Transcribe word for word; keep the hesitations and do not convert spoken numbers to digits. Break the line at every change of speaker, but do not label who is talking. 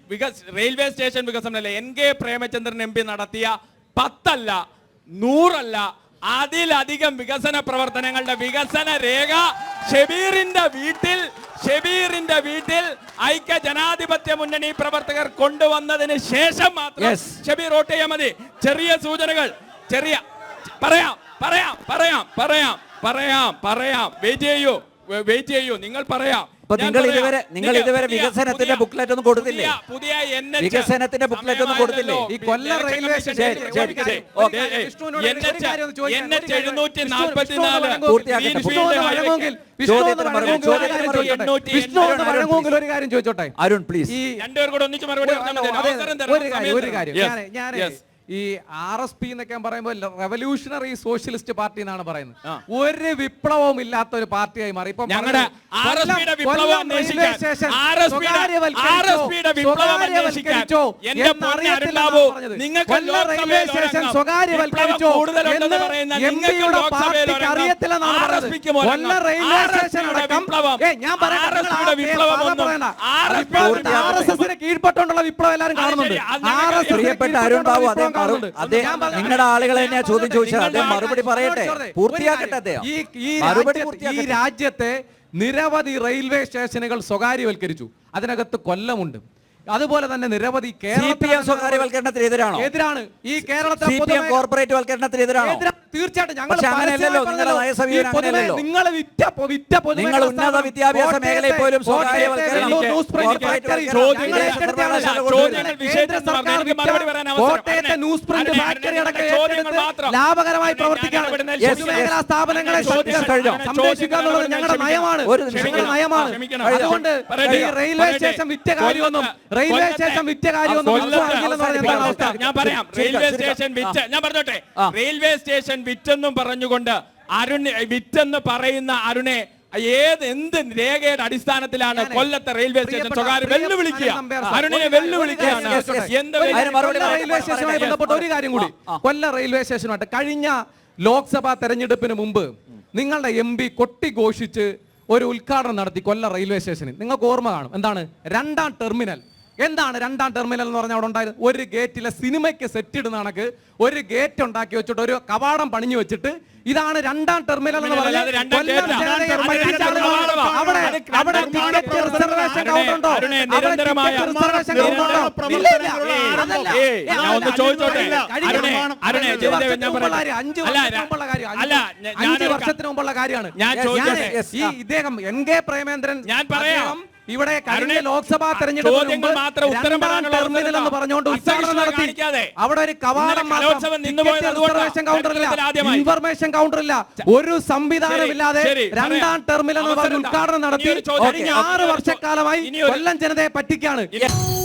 Railway station വികസനമല്ല, N K Premachandran M P നടത്തിയ പത്തല്ല നൂറല്ല അതിലധികം വികസന പ്രവർത്തനങ്ങളുടെ വികസന രേഖ ഷബീറിന്റെ വീട്ടിൽ ഷബീറിന്റെ വീട്ടിൽ ഐക്യ ജനാധിപത്യ മുന്നണി പ്രവർത്തകർ കൊണ്ടുവന്നതിന് ശേഷം മാത്രം ഷബീർ വോട്ട് ചെയ്യാൻ മതി. ചെറിയ സൂചനകൾ, ചെറിയ പറയാം പറയാം പറയാം പറയാം പറയാം പറയാം വെയിറ്റ് ചെയ്യൂ വെയിറ്റ് ചെയ്യൂ നിങ്ങൾ പറയാം.
നിങ്ങൾ ഇതുവരെ നിങ്ങൾ ഇതുവരെ വികസനത്തിന്റെ ബുക്ക്ലെറ്റ് ഒന്നും കൊടുത്തില്ലേ?
പുതിയ
വികസനത്തിന്റെ ബുക്ക്ലെറ്റ് ഒന്നും കൊടുത്തില്ലേ?
ഈ കൊല്ലം റെയിൽവേ സ്റ്റേഷൻ
എഴുന്നൂറ്റി നാൽപ്പത്തിനാല്
ഒരു കാര്യം ചോദിച്ചോട്ടെ
അരുൺ പ്ലീസ്.
ഈ രണ്ടുപേർ കൂടെ ഒന്നിച്ച് മറുപടി
ഒരു കാര്യം ഞാൻ ഈ ആർ എസ് പി എന്നൊക്കെ പറയുമ്പോൾ റെവല്യൂഷണറി സോഷ്യലിസ്റ്റ് പാർട്ടി എന്നാണ് പറയുന്നത്. ഒരു വിപ്ലവവും ഇല്ലാത്ത ഒരു പാർട്ടിയായി മാറി. ഇപ്പൊ
ഞങ്ങളുടെ
റെയിൽവേ സ്റ്റേഷൻ സ്വകാര്യവൽക്കരിച്ചോ എംപിയുടെ പാർട്ടിക്ക് അറിയത്തില്ലെന്നാണ് പറഞ്ഞത്. കൊല്ലം റെയിൽവേ സ്റ്റേഷൻ അടക്കം ഞാൻ പറയാം ആർ എസ് എസിന് കീഴ്പ്പെട്ടുള്ള വിപ്ലവം എല്ലാവരും കാണുന്നുണ്ട്. ആർ എസ്
പ്രിയപ്പെട്ട അരുൺ ബാബു അദ്ദേഹം നിങ്ങളുടെ ആളുകളെ തന്നെയാ ചോദ്യം ചോദിച്ചത്. അദ്ദേഹം മറുപടി പറയട്ടെ, പൂർത്തിയാക്കട്ടെ അദ്ദേഹം.
ഈ രാജ്യത്തെ നിരവധി റെയിൽവേ സ്റ്റേഷനുകൾ സ്വകാര്യവൽക്കരിച്ചു. അതിനകത്ത് കൊല്ലമുണ്ട്. അതുപോലെ തന്നെ നിരവധി
സ്വകാര്യവൽക്കരണത്തിന് എതിരാണോ?
എതിരാണ്. ഈ കേരളത്തിൽ
കോർപ്പറേറ്റ് വൽക്കരണത്തിന് എതിരാണോ?
തീർച്ചയായിട്ടും
നിങ്ങൾ ഉന്നത വിദ്യാഭ്യാസ മേഖലയിൽ പോലും
കോട്ടയത്തെ ന്യൂസ് പ്രിന്റ് ഫാക്ടറി അടക്കം ലാഭകരമായി പ്രവർത്തിക്കുകയാണ്. പൊതുമേഖലാ സ്ഥാപനങ്ങളെ സംരക്ഷിക്കുക എന്നുള്ളത് ഞങ്ങളുടെ നയമാണ് നയമാണ് അതുകൊണ്ട് ഈ റെയിൽവേ സ്റ്റേഷൻ വിറ്റ കാര്യമൊന്നും റെയിൽവേ സ്റ്റേഷൻ വിറ്റ കാര്യമൊന്നും
ഞാൻ പറയാം. റെയിൽവേ സ്റ്റേഷൻ വിറ്റ് ഞാൻ പറഞ്ഞോട്ടെ റെയിൽവേ സ്റ്റേഷൻ വിറ്റെന്നും പറഞ്ഞുകൊണ്ട് അരുൺ വിറ്റെന്ന് പറയുന്ന അരുണെ ഏത് എന്ത് രേഖയുടെ അടിസ്ഥാനത്തിലാണ് കൊല്ലത്തെ റെയിൽവേ സ്റ്റേഷൻ സ്വകാര്യ വെല്ലുവിളിക്കുക? അരുണിനെ വെല്ലുവിളിക്കുകയാണ്.
റെയിൽവേ സ്റ്റേഷനുമായി ബന്ധപ്പെട്ട ഒരു കാര്യം കൂടി, കൊല്ലം റെയിൽവേ സ്റ്റേഷനുമായിട്ട് കഴിഞ്ഞ ലോക്സഭാ തെരഞ്ഞെടുപ്പിന് മുമ്പ് നിങ്ങളുടെ എം പി കൊട്ടിഘോഷിച്ച് ഒരു ഉദ്ഘാടനം നടത്തി കൊല്ലം റെയിൽവേ സ്റ്റേഷനിൽ. നിങ്ങൾക്ക് ഓർമ്മ കാണും. എന്താണ് രണ്ടാം ടെർമിനൽ? എന്താണ് രണ്ടാം ടെർമിനൽ എന്ന് പറഞ്ഞാൽ അവിടെ ഉണ്ടായത് ഒരു ഗേറ്റിലെ സിനിമയ്ക്ക് സെറ്റ് ഇടുന്ന കണക്ക് ഒരു ഗേറ്റ് ഉണ്ടാക്കി വെച്ചിട്ട് ഒരു കവാടം പണിഞ്ഞു വെച്ചിട്ട് ഇതാണ് രണ്ടാം ടെർമിനൽ എന്ന് പറഞ്ഞാൽ അവിടെ അവിടെ ടിക്കറ്റ് റിസർവേഷൻ കൗണ്ടർ ഉണ്ടോ? അഞ്ച് വർഷത്തിന് മുമ്പുള്ള കാര്യമാണ്. ഈ ഇദ്ദേഹം എൻ കെ പ്രേമേന്ദ്രൻ
ഞാൻ പറയാം
ഇവിടെ കഴിഞ്ഞ ലോക്സഭാ തെരഞ്ഞെടുപ്പിൽ ടെർമിനൽ എന്ന് പറഞ്ഞുകൊണ്ട് ഉദ്ഘാടനം നടത്തി. അവിടെ ഒരു കവാടം റിസർവേഷൻ കൗണ്ടറില്ല, ഇൻഫർമേഷൻ കൗണ്ടറില്ല, ഒരു സംവിധാനമില്ലാതെ രണ്ടാം ടെർമിനൽ എന്ന് പറഞ്ഞ് ഉദ്ഘാടനം നടത്തി കഴിഞ്ഞ ആറ് വർഷക്കാലമായി കൊല്ലം ജനതയെ പറ്റിക്കാണ്.